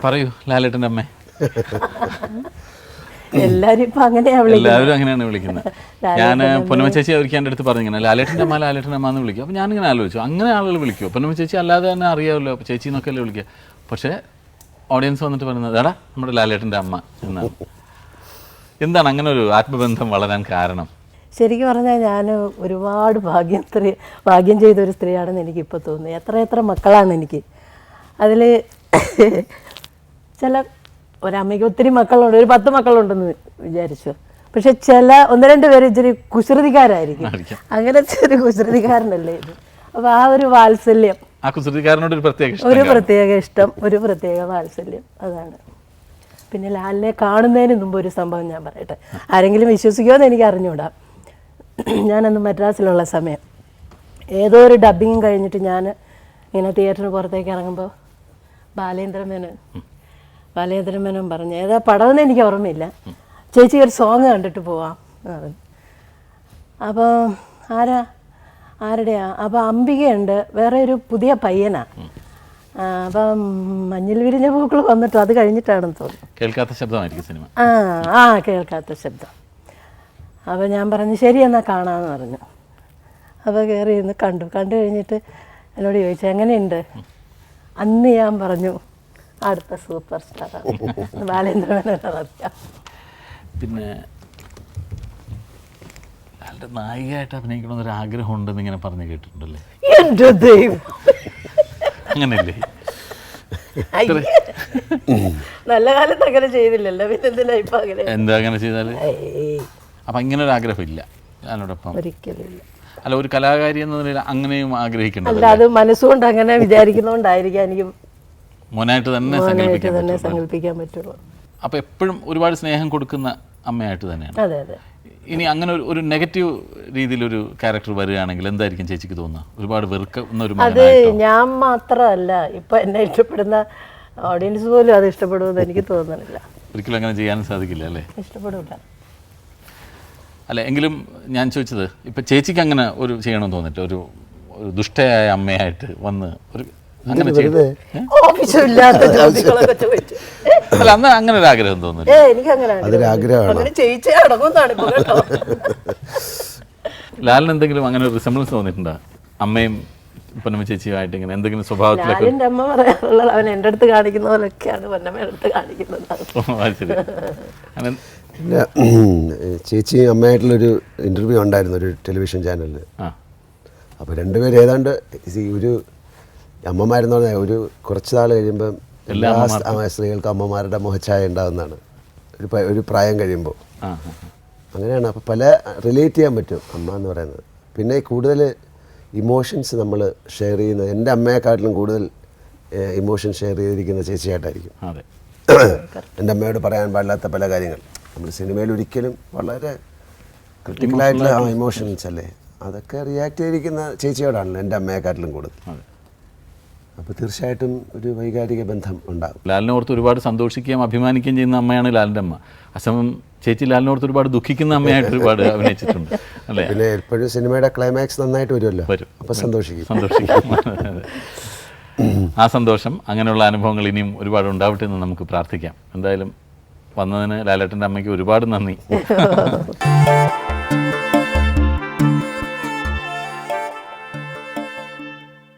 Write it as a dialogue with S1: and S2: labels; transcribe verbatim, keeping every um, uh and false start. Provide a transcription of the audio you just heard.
S1: പറയൂ ലാലേട്ടൻ്റെ അമ്മേ.
S2: എല്ലാവരും ഇപ്പം അങ്ങനെയാണ്
S1: എല്ലാവരും അങ്ങനെയാണ് വിളിക്കുന്നത്. ഞാൻ പൊന്നമ്മ ചേച്ചി അവർക്ക് എൻ്റെ അടുത്ത് പറഞ്ഞിങ്ങനെ ലാലേട്ടൻ്റെ അമ്മ ലാലേട്ടൻ്റെ അമ്മ എന്ന് വിളിക്കും. അപ്പോൾ ഞാനിങ്ങനെ ആലോചിച്ചു, അങ്ങനെ ആളുകൾ വിളിക്കുമോ? പൊന്നമ്മ ചേച്ചി അല്ലാതെ തന്നെ അറിയാമല്ലോ, അപ്പോൾ ചേച്ചി എന്നൊക്കെ അല്ലേ വിളിക്കുക. പക്ഷേ ഓഡിയൻസ് വന്നിട്ട് പറയുന്നത് എടാ നമ്മുടെ ലാലേട്ടൻ്റെ അമ്മ എന്നാണ്. എന്താണ് അങ്ങനെ ഒരു ആത്മബന്ധം വളരാൻ കാരണം?
S2: ശരിക്കും പറഞ്ഞാൽ ഞാൻ ഒരുപാട് ഭാഗ്യം സ്ത്രീ ഭാഗ്യം ചെയ്തൊരു സ്ത്രീയാണെന്ന് എനിക്കിപ്പോൾ തോന്നുന്നു. എത്ര എത്ര മക്കളാണ് എനിക്ക്. അതിൽ ചില ഒരമ്മയ്ക്ക് ഒത്തിരി മക്കളുണ്ട്, ഒരു പത്ത് മക്കളുണ്ടെന്ന് വിചാരിച്ചു. പക്ഷെ ചില ഒന്ന് രണ്ട് പേര് ഇച്ചിരി കുസൃതിക്കാരായിരിക്കും. അങ്ങനത്തെ ഒരു കുസൃതിക്കാരനല്ലേ ഇത്. അപ്പോൾ ആ ഒരു വാത്സല്യം,
S1: ആ കുസൃതിക്കാരനോട് ഒരു പ്രത്യേക
S2: ഒരു പ്രത്യേക ഇഷ്ടം, ഒരു പ്രത്യേക വാത്സല്യം, അതാണ്. പിന്നെ ലാലിനെ കാണുന്നതിന് മുമ്പ് ഒരു സംഭവം ഞാൻ പറയട്ടെ. ആരെങ്കിലും വിശ്വസിക്കുമോ എന്ന് എനിക്ക് അറിഞ്ഞുകൂടാ. ഞാനന്ന് മദ്രാസിലുള്ള സമയം ഏതോ ഒരു ഡബ്ബിങ് കഴിഞ്ഞിട്ട് ഞാൻ ഇങ്ങനെ തിയേറ്ററിന് പുറത്തേക്ക് ഇറങ്ങുമ്പോൾ ബാലേന്ദ്രൻ മേനോൻ ബാലേന്ദ്രൻ മേനോൻ പറഞ്ഞു, ഏതാ പടമെന്ന് എനിക്ക് ഓർമ്മയില്ല, ചേച്ചി ഒരു സോങ് കണ്ടിട്ട് പോവാം എന്ന് പറഞ്ഞു. അപ്പോൾ ആരാ ആരുടെയാ? അപ്പോൾ അംബികയുണ്ട്, വേറെ ഒരു പുതിയ പയ്യനാണ്. അപ്പം മഞ്ഞിൽ വിരിഞ്ഞ പൂക്കൾ വന്നിട്ട് അത് കഴിഞ്ഞിട്ടാണെന്ന് തോന്നുന്നു.
S1: കേൾക്കാത്ത ശബ്ദമായിരിക്കും സിനിമ.
S2: ആ ആ കേൾക്കാത്ത ശബ്ദം. അപ്പോൾ ഞാൻ പറഞ്ഞു ശരി എന്നാൽ കാണാമെന്ന് പറഞ്ഞു. അപ്പോൾ കയറി ഇരുന്ന് കണ്ടു. കണ്ടു കഴിഞ്ഞിട്ട് എന്നോട് ചോദിച്ചു എങ്ങനെയുണ്ട്. അന്ന് ഞാൻ പറഞ്ഞു അടുത്ത സൂപ്പർ സ്റ്റാറാണ് ബാലേന്ദ്ര മേനോൻ. അറിയാം.
S1: പിന്നെ അയാളുടെ നായികയായിട്ട് അഭിനയിക്കണമെന്നൊരു ആഗ്രഹം ഉണ്ടെന്ന് ഇങ്ങനെ പറഞ്ഞു കേട്ടിട്ടുണ്ടല്ലേ?
S2: എൻ്റെ ദൈവം,
S1: അങ്ങനെയല്ലേ?
S2: നല്ല കാലത്ത് അങ്ങനെ ചെയ്തില്ലല്ലോ, പിന്നെ എന്തിനാ ഇപ്പം അങ്ങനെ?
S1: എന്താ അങ്ങനെ ചെയ്താൽ? അപ്പം ഇങ്ങനെ ഒരു ആഗ്രഹം ഇല്ല അതിനോടൊപ്പം?
S2: ഒരിക്കലില്ല.
S1: അല്ല, ഒരു കലാകാരി എന്ന നിലയിൽ അങ്ങനെയും ആഗ്രഹിക്കേണ്ടത്?
S2: അല്ല, അത് മനസ്സുകൊണ്ട് അങ്ങനെ വിചാരിക്കുന്നതുകൊണ്ടായിരിക്കും എനിക്ക്
S1: മോനായിട്ട് തന്നെ
S2: മോനായിട്ട് തന്നെ സങ്കല്പിക്കാൻ പറ്റുള്ളൂ.
S1: അപ്പോൾ എപ്പോഴും ഒരുപാട് സ്നേഹം കൊടുക്കുന്ന അമ്മയായിട്ട് തന്നെയാണ്.
S2: അതെ അതെ.
S1: ഇനി അങ്ങനെ ഒരു ഒരു നെഗറ്റീവ് രീതിയിലൊരു ക്യാരക്ടർ വരികയാണെങ്കിൽ എന്തായിരിക്കും ചേച്ചിക്ക് തോന്നുക? ഒരുപാട് വെറുക്കുന്ന ഒരു
S2: അത് ഞാൻ മാത്രമല്ല, ഇപ്പം എന്നെ ഇഷ്ടപ്പെടുന്ന ഓഡിയൻസ് പോലും അത് ഇഷ്ടപ്പെടുമെന്ന് എനിക്ക് തോന്നുന്നില്ല.
S1: ഒരിക്കലും അങ്ങനെ ചെയ്യാൻ സാധിക്കില്ല അല്ലേ?
S2: ഇഷ്ടപ്പെടില്ല.
S1: അല്ല, എങ്കിലും ഞാൻ ചോദിച്ചത് ഇപ്പം ചേച്ചിക്ക് അങ്ങനെ ഒരു ചെയ്യണമെന്ന് തോന്നിട്ട് ഒരു ഒരു ദുഷ്ടയായ അമ്മയായിട്ട് വന്ന് ഒരു അങ്ങനെ അല്ല അന്ന് അങ്ങനെ ഒരു ആഗ്രഹം തോന്നുന്നു. ലാലിന് എന്തെങ്കിലും അങ്ങനെ ഒരു റിസംബ്ലൻസ് തോന്നിയിട്ടുണ്ടോ അമ്മയും പൊന്നമ്മ ചേച്ചിയുമായിട്ട്? ഇങ്ങനെ എന്തെങ്കിലും സ്വഭാവത്തിലൊക്കെ?
S2: അമ്മ പറയാറുള്ളത് അവൻ എൻ്റെ അടുത്ത് കാണിക്കുന്ന പോലൊക്കെയാണ് പൊന്നമ്മയുടെ അടുത്ത് കാണിക്കുന്നത്.
S3: പിന്നെ ചേച്ചി അമ്മയായിട്ടുള്ളൊരു ഇൻ്റർവ്യൂ ഉണ്ടായിരുന്നു ഒരു ടെലിവിഷൻ ചാനലിൽ. അപ്പോൾ രണ്ടുപേരും ഏതാണ്ട് ഒരു അമ്മമാരെന്ന് പറഞ്ഞാൽ ഒരു കുറച്ച് നാൾ കഴിയുമ്പം എല്ലാ സ്ത്രീകൾക്കും അമ്മമാരുടെ മുഖച്ഛായ ഉണ്ടാകുന്നതാണ് ഒരു ഒരു പ്രായം കഴിയുമ്പോൾ. അങ്ങനെയാണ്. അപ്പോൾ പല റിലേറ്റ് ചെയ്യാൻ പറ്റും അമ്മ എന്ന് പറയുന്നത്. പിന്നെ കൂടുതൽ ഇമോഷൻസ് നമ്മൾ ഷെയർ ചെയ്യുന്നത് എൻ്റെ അമ്മയെക്കാട്ടിലും കൂടുതൽ ഇമോഷൻ ഷെയർ ചെയ്തിരിക്കുന്ന ചേച്ചിയായിട്ടായിരിക്കും. എൻ്റെ അമ്മയോട് പറയാൻ പാടില്ലാത്ത പല കാര്യങ്ങൾ നമ്മൾ സിനിമയിൽ ഒരിക്കലും വളരെ ക്രിട്ടിക്കലായിട്ടുള്ള ആ ഇമോഷൻസ് അല്ലേ, അതൊക്കെ റിയാക്ട് ചെയ്തിരിക്കുന്ന ചേച്ചിയോടാണല്ലോ എൻ്റെ അമ്മയെക്കാട്ടിലും കൂടുതൽ. അപ്പോൾ തീർച്ചയായിട്ടും ഒരു വൈകാരിക ബന്ധം ഉണ്ടാകും.
S1: ലാലിനെ ഓർത്ത് ഒരുപാട് സന്തോഷിക്കുകയും അഭിമാനിക്കുകയും ചെയ്യുന്ന അമ്മയാണ് ലാലിൻ്റെ അമ്മ. അസമം ചേച്ചി ലാലിനെ ഓർത്ത് ഒരുപാട് ദുഃഖിക്കുന്ന അമ്മയായിട്ട് ഒരുപാട് അഭിനയിച്ചിട്ടുണ്ട് അല്ലേ?
S3: പിന്നെ എപ്പോഴും സിനിമയുടെ ക്ലൈമാക്സ് നന്നായിട്ട് വരുമല്ലോ, വരും. അപ്പോൾ സന്തോഷിക്കും സന്തോഷിക്കും
S1: ആ സന്തോഷം, അങ്ങനെയുള്ള അനുഭവങ്ങൾ ഇനിയും ഒരുപാട് ഉണ്ടാവട്ടെ എന്ന് നമുക്ക് പ്രാർത്ഥിക്കാം. എന്തായാലും വന്നതിന് ലാലേട്ടൻ്റെ അമ്മയ്ക്ക് ഒരുപാട് നന്ദി.